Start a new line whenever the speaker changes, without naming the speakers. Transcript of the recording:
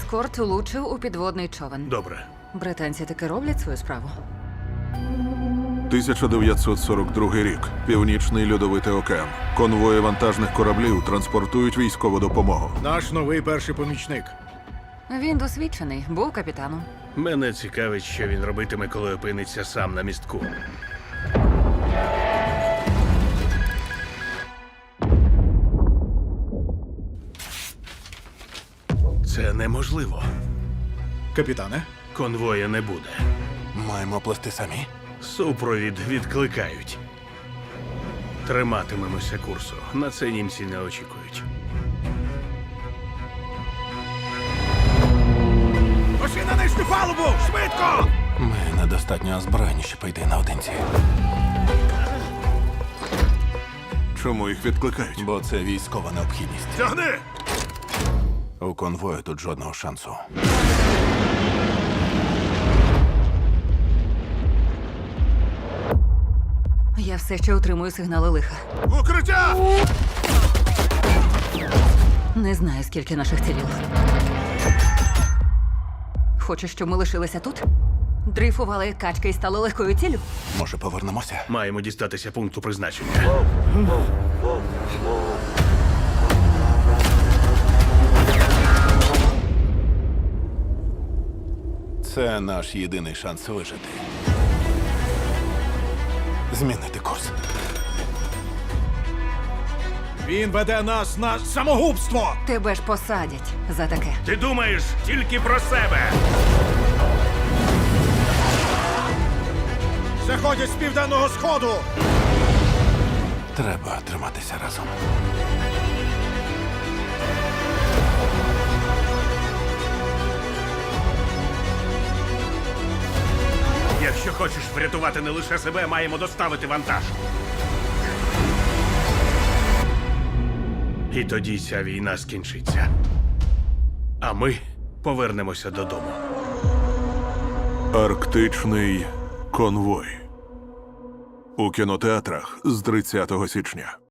ескорт влучив у підводний човен.
Добре.
Британці таки роблять свою справу.
1942 рік. Північний льодовитий океан. Конвої вантажних кораблів транспортують військову допомогу.
Наш новий перший помічник.
Він досвідчений, був капітаном.
Мене цікавить, що він робитиме, коли опиниться сам на містку. Це неможливо.
Капітане,
Конвоя не буде.
Маємо плести самі.
Супровід відкликають. Триматимемося курсу. На це німці не очікують.
Пошли на нижню палубу! Швидко!
Ми недостатньо озброєні, щоб йти наодинці.
Чому їх відкликають?
Бо це військова необхідність.
Тягни!
У конвою тут жодного шансу.
Я все ще отримую сигнали лиха.
Укриття!
Не знаю, скільки наших цілів. Хочеш, щоб ми лишилися тут? Дрейфували як качки і стали легкою ціллю?
Може, повернемося?
Маємо дістатися пункту призначення.
Це наш єдиний шанс вижити. Змінити курс.
Він веде нас на самогубство!
Тебе ж посадять за таке.
Ти думаєш тільки про себе!
Заходять з південного сходу!
Треба триматися разом.
Якщо хочеш врятувати не лише себе, маємо доставити вантаж. І тоді ця війна скінчиться. А ми повернемося додому.
Арктичний конвой. У кінотеатрах з 30 січня.